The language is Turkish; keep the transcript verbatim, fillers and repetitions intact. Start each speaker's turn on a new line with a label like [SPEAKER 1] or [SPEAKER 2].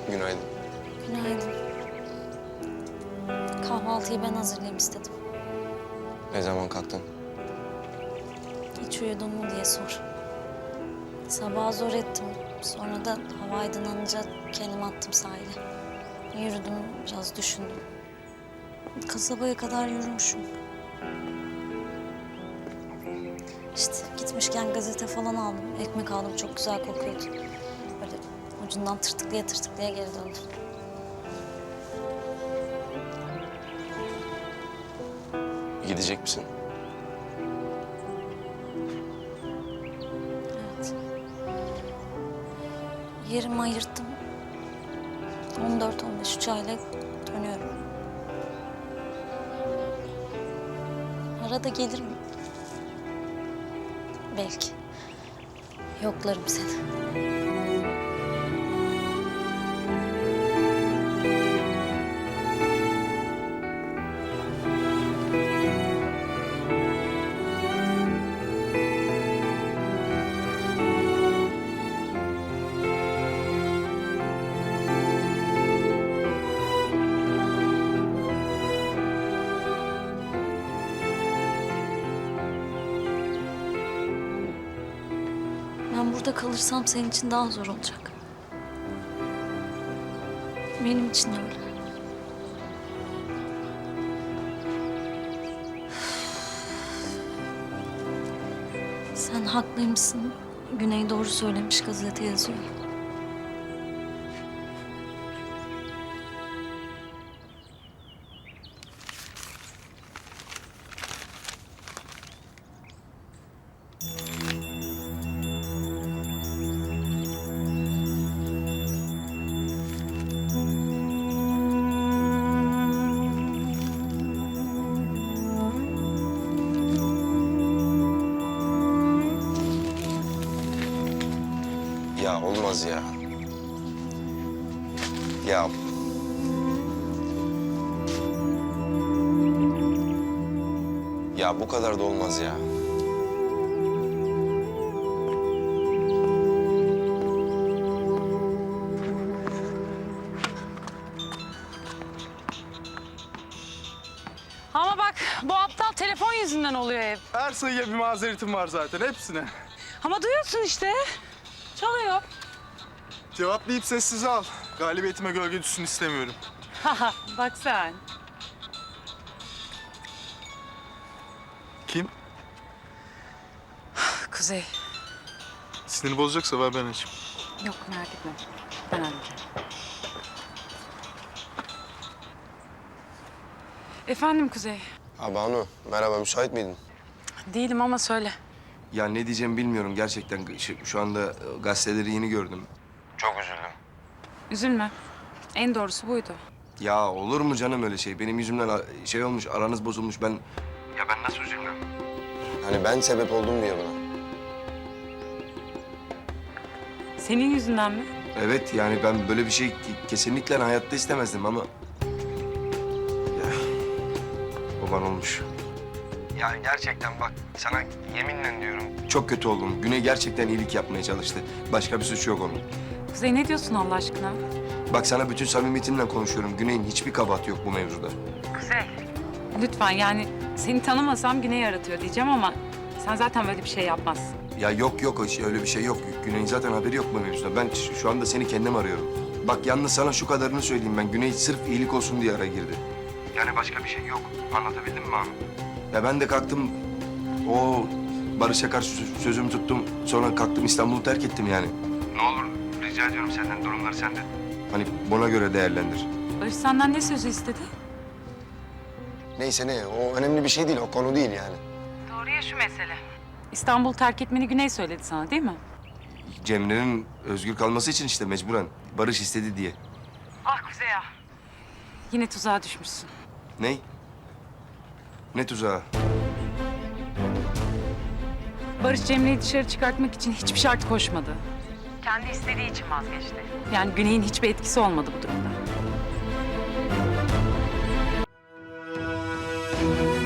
[SPEAKER 1] Günaydın.
[SPEAKER 2] Günaydın. Kahvaltıyı ben hazırlayayım istedim.
[SPEAKER 1] Ne zaman kalktın?
[SPEAKER 2] Hiç uyudun mu diye sor. Sabah zor ettim. Sonra da hava aydınlanınca kendimi attım sahile. Yürüdüm, biraz düşündüm. Kasabaya kadar yürümüşüm. İşte gitmişken gazete falan aldım. Ekmek aldım, çok güzel kokuyordu. Böyle ucundan tırtıklaya tırtıklaya geri döndüm.
[SPEAKER 1] Gidecek misin?
[SPEAKER 2] Evet. Yerimi ayırttım. on dört on beş uçağıyla dönüyorum. Arada gelirim. Belki. Yoklarım seni. Ben burada kalırsam senin için daha zor olacak. Benim için de öyle. Sen haklıymışsın. Güney doğru söylemiş, gazete yazıyor.
[SPEAKER 1] Ya olmaz ya. Ya. Ya bu kadar da olmaz ya.
[SPEAKER 3] Ama bak bu aptal telefon yüzünden oluyor hep.
[SPEAKER 4] Her sayıya bir mazeretim var zaten, hepsine.
[SPEAKER 3] Ama duyuyorsun işte. Çalıyor.
[SPEAKER 4] Cevaplayıp sessize al. Galibiyetime gölge düşsün istemiyorum.
[SPEAKER 3] Haha bak sen.
[SPEAKER 4] Kim?
[SPEAKER 3] Kuzey.
[SPEAKER 4] Sinir bozacaksa ver ben açayım.
[SPEAKER 3] Yok merak etme. Ben halledeceğim. Efendim Kuzey.
[SPEAKER 1] Ha Banu, merhaba, müsait miydin?
[SPEAKER 3] Değilim ama söyle.
[SPEAKER 1] Ya ne diyeceğimi bilmiyorum gerçekten. Şu, şu anda gazeteleri yeni gördüm. Çok üzüldüm.
[SPEAKER 3] Üzülme. En doğrusu buydu.
[SPEAKER 1] Ya olur mu canım öyle şey? Benim yüzümden a- şey olmuş, aranız bozulmuş. Ben... Ya ben nasıl üzülmem? Hani ben sebep oldum diye buna.
[SPEAKER 3] Senin yüzünden mi?
[SPEAKER 1] Evet, yani ben böyle bir şey ki- kesinlikle hayatta istemezdim ama... Ya, baban olmuş. Ya gerçekten bak, sana yeminle diyorum. Çok kötü oldum. Güney gerçekten iyilik yapmaya çalıştı. Başka bir suçu yok onun.
[SPEAKER 3] Kuzey ne diyorsun Allah aşkına?
[SPEAKER 1] Bak sana bütün samimiyetimle konuşuyorum. Güney'in hiçbir kabahati yok bu mevzuda.
[SPEAKER 3] Kuzey. Lütfen yani seni tanımasam Güney yaratıyor diyeceğim ama sen zaten böyle bir şey yapmazsın.
[SPEAKER 1] Ya yok yok, öyle bir şey yok. Güney'in zaten haberi yok bu mevzuda. Ben ş- şu anda seni kendim arıyorum. Bak yalnız sana şu kadarını söyleyeyim ben. Güney sırf iyilik olsun diye araya girdi. Yani başka bir şey yok. Anlatabildim mi abi? Ya ben de kalktım, o Barış'a karşı sö- sözümü tuttum. Sonra kalktım İstanbul'u terk ettim yani. Ne olur rica ediyorum senden, durumları sende. Hani buna göre değerlendir.
[SPEAKER 3] Barış senden ne sözü istedi?
[SPEAKER 1] Neyse ne, o önemli bir şey değil, o konu değil yani.
[SPEAKER 3] Doğruya şu mesele. İstanbul terk etmeni Güney söyledi sana değil mi?
[SPEAKER 1] Cemre'nin özgür kalması için işte mecburen. Barış istedi diye.
[SPEAKER 3] Ah Kuzey ah. Yine tuzağa düşmüşsün.
[SPEAKER 1] Ne? Ne tuzağı?
[SPEAKER 3] Barış Cemre'yi dışarı çıkartmak için hiçbir şart koşmadı. Kendi istediği için vazgeçti. Yani Güney'in hiçbir etkisi olmadı bu durumda.